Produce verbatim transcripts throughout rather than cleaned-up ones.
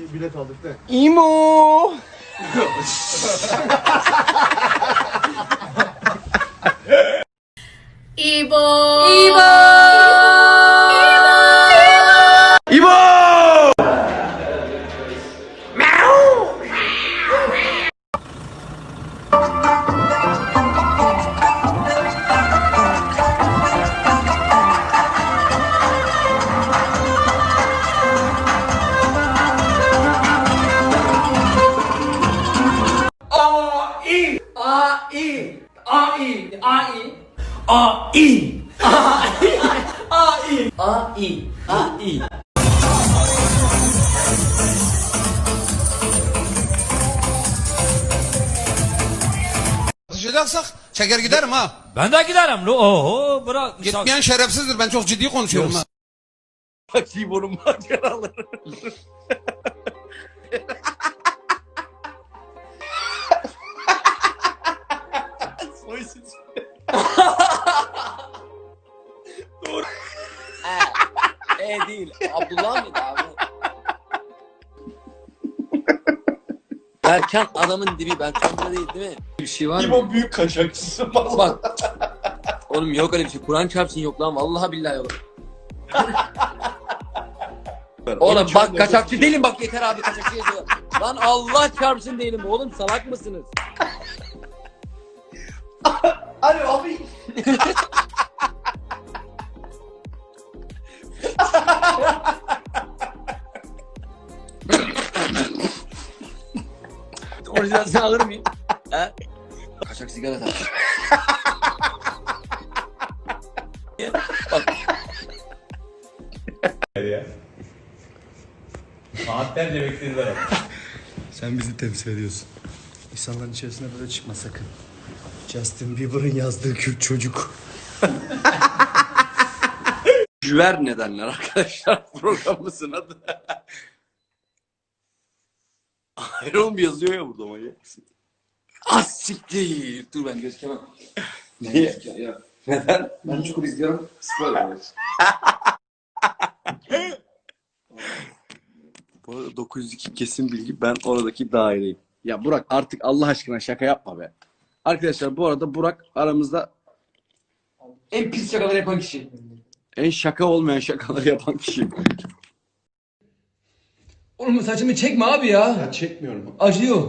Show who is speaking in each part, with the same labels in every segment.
Speaker 1: bilet aldık da.
Speaker 2: İmo.
Speaker 3: İbo. İbo.
Speaker 2: İbo.
Speaker 4: Konuşacaksak çeker giderim ha.
Speaker 5: Ben de giderim. Oho bırak.
Speaker 4: Gitmeyen şerefsizdir. Ben çok ciddi konuşuyorum ha.
Speaker 2: İbo'nun maceraları. Soysuz. Doğru. E, e değil. Abdullah mıydı abi? Erkan adamın dibi. Ben kandıra değil değil mi? Bir şey var mı?
Speaker 1: İbo büyük kaçakçısı falan.
Speaker 2: Bak. Oğlum yok öyle bir şey. Kur'an çarpsın yok lan. Vallahi billahi yok. Oğlum bak kaçakçı değilim bak yeter abi kaçakçı yazıyor. Lan Allah çarpsın değilim oğlum salak mısınız?
Speaker 1: Alo abi.
Speaker 2: Orijinalini alır mıyım? He? Kaçak sigara tak. Bak.
Speaker 5: Saatlerce beklediler abi.
Speaker 1: Sen bizi temsil ediyorsun. İnsanların içerisine böyle çıkma sakın. Justin Bieber'ın yazdığı Kürt çocuk.
Speaker 2: Jüver nedenler arkadaşlar programımızın adı. Hayır oğlum yazıyor ya burada manyak mısın? Az siktir. Dur ben gözükemem. Niye? Ya. Neden? Ben Çukur izliyorum. Spoiler olur. Bu arada dokuz yüz iki kesin bilgi. Ben oradaki daireyim. Ya Burak artık Allah aşkına şaka yapma be. Arkadaşlar bu arada Burak aramızda en pis şakaları yapan kişi. En şaka olmayan şakaları yapan kişi.
Speaker 6: Oğlum saçımı çekme abi ya.
Speaker 1: Ya çekmiyorum.
Speaker 6: Acıyor.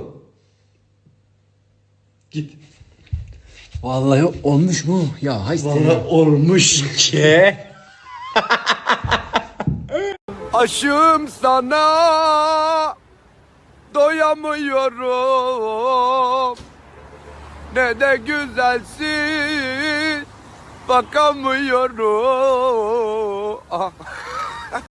Speaker 6: Git. Vallahi olmuş mu? Ya hay
Speaker 1: Vallahi olmuş ki.
Speaker 2: Aşığım sana doyamıyorum. Ne de güzelsin bakamıyorum. Ah.